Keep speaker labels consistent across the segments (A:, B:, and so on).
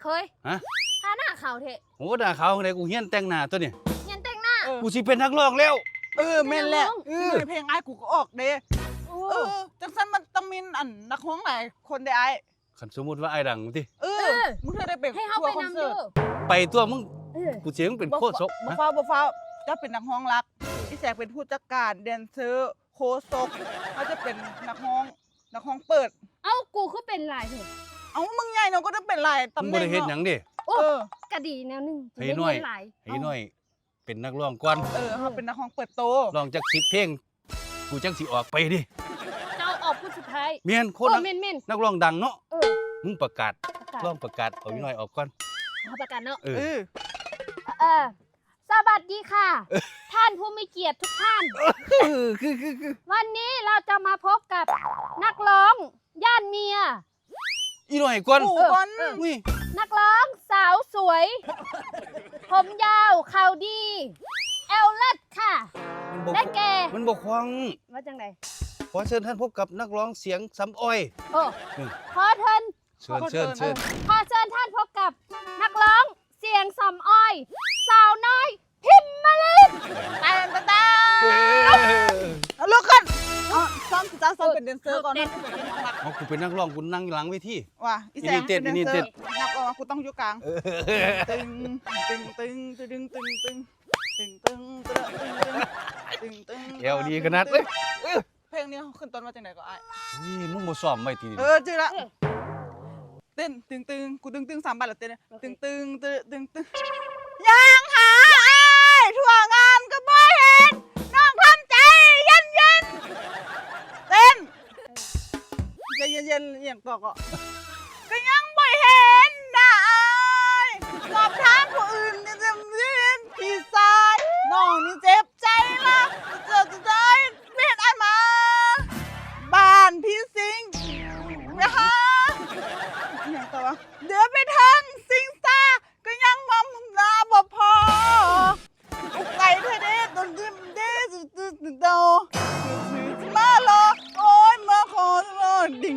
A: เคย
B: ฮะ
A: ทาหน้าขาวเถอะ
B: โหด่าเขาไหนกูเฮี้ยนแต่งหน้าตัวเนี่ย
A: เฮียนแต่งหน้า
B: กูสิเป็นนักร้องแล้ว
C: แม่นแหละเพลงไอ้กูก็ออกเด้จังซั่นมันต้องมีอันนักร้องหลายคนได้ไอ้
B: คันสมมุติว่าไอ้ดังติ
C: มึงได้ไป
A: ให้เฮาไปนำเด้อ
B: ไปตัวมึงกูเสียงเป็นโคศก
C: บ่ฟ้าจะเป็นนักร้องรักอีแสกเป็นผู้จัดการแดนเซอร์โคศกเขาจะเป็นนักร้องเปิด
A: เอ้ากูคือเป็นหลายเถอะ
C: เอ้ามึงใหญ่เนาะก็ต้องเป็นหลายตำแหน่ง
B: มึงบ่ได้เฮ็ดหยังดิ
A: กะดีแนวนึง
B: ให้น้อยเป็นนักร้องก่อน
C: เขาเป็นนักร้องเปิดโต
B: ร้องจัก10เพลงกูจังสิออกไปดิ
A: เจ้าออกผู้สุดท้าย
B: เมียนคนนักร้องดังเนาะมึงประกาศร้องประกาศเอาอีน้อยออกก่อน
A: เขาประกาศเนาะ
C: ส
A: วัสดีค่ะท่านผู้มีเกียรติทุกท่าน
B: คือ
A: วันนี้เราจะมาพบกับนักร้องย่านเมีย
B: อีน้อยก่อน
A: นักร้องสาวสวยผมยาวเข่าดีเอลเล็ดค่ะและแก
B: มันบ่ควัง
A: ว่าจังได๋
B: ขอเชิญท่านพบกับนักร้องเสียงสำอ้อย
A: ขอเชิญขอเชิญท่านพบกับนักร้องเสียงสำอ้อยสาวน้อยพิมมาลิน
C: ตาลุกขึ้นซ้อมเป็นแดนเซอร์ก่อน
B: กูเป็นนักร้องกูนั่งหลังเวที
C: ว่ะอีแสงเป็นแดนเซอร์นักร้องกูต้องอยู่กลางตึง
B: เอวดีขนาดเลย
C: เพลงนี้ขึ้นต้นมาจากไหนก็ไอ้
B: มึงบ่ซ้อมไว้ที
C: จื้อละเต้นตึงกูตึง3 บาทแล้วเต้นตึงยังหาไอ้ทั่วงานก็บ่เห็นน้องทำใจเย็นเต้นใจเย็นอย่างต่อก็ยังบ่เห็นนะไอ้สอบถามผู้อื่นจะเรียนพี่สายน้องนี่เจ็บใจละจะได้เรียนไอ้มาบ้านพี่สิงนะคะอย่างต่อเดี๋ยวไปทางสิงซ่าก็ยังมอมนาบ่พออุกไก่เธอเด้ต้นดิมเด้โตมาโลโอ้ยมาขอโลดิ่ง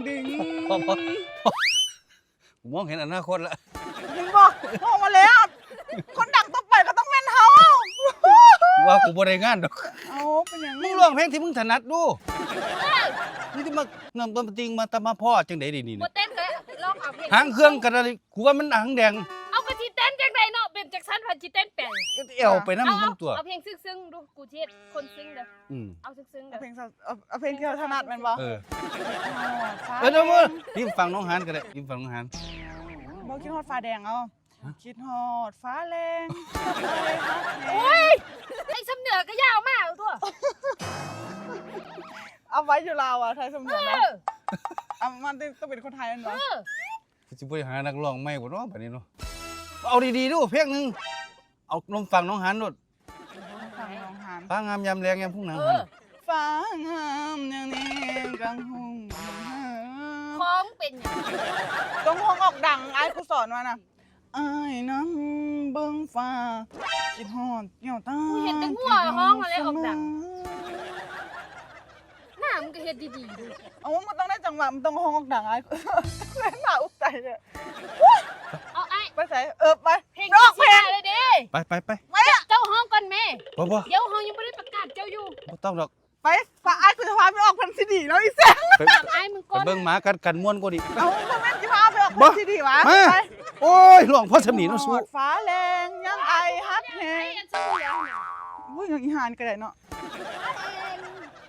B: ผมมองเห็นอนาคตแล้ว
C: มึงบอกมองมาแล้วคนดังต้องไปก็ต้องเป็นเฮา
B: ว่ากูบ่ได้งานดอก
C: เป็นอย่าง
B: มึงร้องเพลงที่มึงถนัดดูนี่ที่มานำต้นจริงมาตะมาพ่อจังได๋นี่
A: บ่เต้นเลยร้องเอาเพลง
B: หางเครื่องกันอะไรกูว่ามันหางแดง
A: เอากะสิเต้นจังไดเนาะเป็นจักซั่นพันสิเต้นแปลง
B: เอวไปนำมึงตัว
A: เอาเพลงซึ้งๆดูกูเฮ็ดคนซึ้งเด้อเอาซึ้งๆเด้อ
C: เอาเพลงที่เราถนัดแม่นบ่
B: เด้อพิมพ์ฟังน้องหานก็ได้พิมพ์ฟังน้องหาน
C: บ่คิดฮอดฟ้าแดงเอาคิดฮอดฟ้าแรง
A: โอ้ยไอ้สำเหนือก็ยาวมากตัว
C: เอาไว้อยู่ลาวอ่ะไทยสำเหนือนะมันต้องเป็นคนไทยนั่นเหรอ
B: สิบ่หานักร้องใหม่บ่เนาะบัดนี้เนาะเอาดีๆดูเพลงนึงเอาลองฟังน้องหานโดดฟ้างามยามแลงยามพุ่งหนัง
C: ฟ้างามยามนี้กังหุ่ง
A: ของเป็นหยัง
C: ต้องห้องออกดังไอ้ครูสอนมาน่ะอ้ายน้ำเบิ่งฟ้าคิดฮอดเกี่ยวตา
A: กูเห็นแต่หัวห้องอะไรออกดังหน้ามึงก็เฮ็ดดีๆดู
C: มันต้องได้จังหวะมันต้องห้องออกดังไอ้เล่นหน้าอุกใจเลย
A: เอาไอ้
C: ไปใส่ไป
A: เพลงร้องเพลงเลยดิ
B: ไป
A: เจ้าห้องก่อนแม่
B: บ่
A: เดี๋ยวห้องยังบ่ได้ประกาศเจ้าอยู่
B: บ่ต้องดอก
C: ไปฝากไอ้คือพาไปออกพันซีดีแล้วอีแซง
A: ไอ้มึงก่อน
B: ไปเบิ่งหมากันม่วนกว่าดิ
C: บ่แม่นสิพาไปออกพันซีดีวะ
B: ไปโอ้ยร้องพอสำนีเนาะสู้
C: ฟ้าแรงยังไอฮักแฮงอุ้ยยังอีหานก็ได้เนาะ